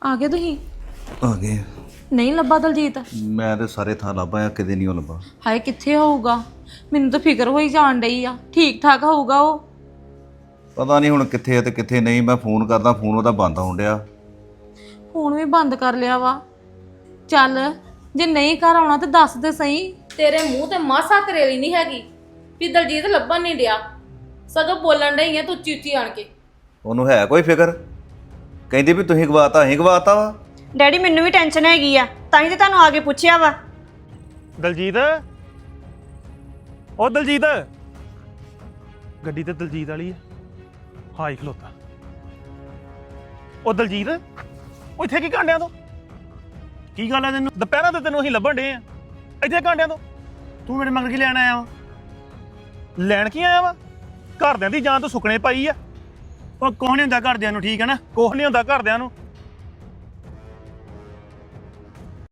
ਆ ਗਏ ਤੁਸੀਂ? ਆ ਗਏ। ਨਹੀਂ ਲੱਭਾ ਦਲਜੀਤ? ਮੈਂ ਤੇ ਸਾਰੇ ਥਾਂ ਲੱਭਾ ਕਿਤੇ ਨਹੀਂ ਉਹ ਲੱਭਾ। ਹਾਏ ਕਿੱਥੇ ਹੋਊਗਾ? ਮੈਨੂੰ ਤਾਂ ਫਿਕਰ ਹੋਈ ਜਾਣ ਡਈ ਆ। ਠੀਕ ਠਾਕ ਹੋਊਗਾ ਉਹ? ਪਤਾ ਨਹੀਂ ਹੁਣ ਕਿੱਥੇ ਆ ਤੇ ਕਿੱਥੇ ਨਹੀਂ। ਮੈਂ ਫੋਨ ਕਰਦਾ, ਫੋਨ ਉਹਦਾ ਬੰਦ ਹੋਣ ਡਿਆ। ਫੋਨ ਵੀ ਬੰਦ ਕਰ ਲਿਆ ਵਾ। ਚੱਲ ਜੇ ਨਹੀਂ ਘਰ ਆਉਣਾ ਤੇ ਦੱਸ ਦੇ ਸਹੀ। ਤੇਰੇ ਮੂੰਹ ਤੇ ਮਾਸਾ ਕਰੇਲੀ ਨਹੀਂ ਹੈਗੀ ਵੀ ਦਲਜੀਤ ਲੱਭਣ ਨਹੀਂ ਡਿਆ, ਸਗੋਂ ਬੋਲਣ ਡਈ ਆ ਤੂੰ ਉੱਚੀ ਉੱਚੀ ਆਣ ਕੇ। ਉਹਨੂੰ ਹੈ ਕੋਈ ਫਿਕਰ? ਕਹਿੰਦੀ ਵੀ ਤੁਸੀਂ ਗਵਾਤਾ, ਅਸੀਂ ਗਵਾਤਾ ਵਾ। ਡੈਡੀ ਮੈਨੂੰ ਵੀ ਟੈਨਸ਼ਨ ਹੈਗੀ ਆ, ਤਾਂ ਹੀ ਤੇ ਤੁਹਾਨੂੰ ਆ ਕੇ ਪੁੱਛਿਆ ਵਾ। ਦਲਜੀਤ, ਉਹ ਦਲਜੀਤ, ਗੱਡੀ ਤੇ ਦਲਜੀਤ ਵਾਲੀ ਹੈ। ਹਾਈ ਖਲੋਤਾ। ਉਹ ਦਲਜੀਤ, ਉਹ ਇੱਥੇ ਕੀ ਕਾਂਡਿਆਂ ਤੋਂ? ਕੀ ਗੱਲ ਹੈ ਤੈਨੂੰ? ਦੁਪਹਿਰਾਂ ਤੇ ਤੈਨੂੰ ਅਸੀਂ ਲੱਭਣ ਡੇ ਆ, ਇੱਥੇ ਕਾਂਡਿਆਂ ਤੋਂ ਤੂੰ ਮੇਰੇ ਮਗਰ ਕੀ ਲੈਣ ਆਇਆ ਵਾ? ਲੈਣ ਕੀ ਆਇਆ ਵਾ? ਘਰਦਿਆਂ ਦੀ ਜਾਨ ਤੋਂ ਸੁੱਕਣੇ ਪਾਈ ਆ। ਉਹ ਕੁਛ ਨਹੀਂ ਹੁੰਦਾ ਘਰਦਿਆਂ ਨੂੰ, ਠੀਕ ਹੈ ਨਾ? ਕੁਛ ਨਹੀਂ ਹੁੰਦਾ ਘਰਦਿਆਂ ਨੂੰ।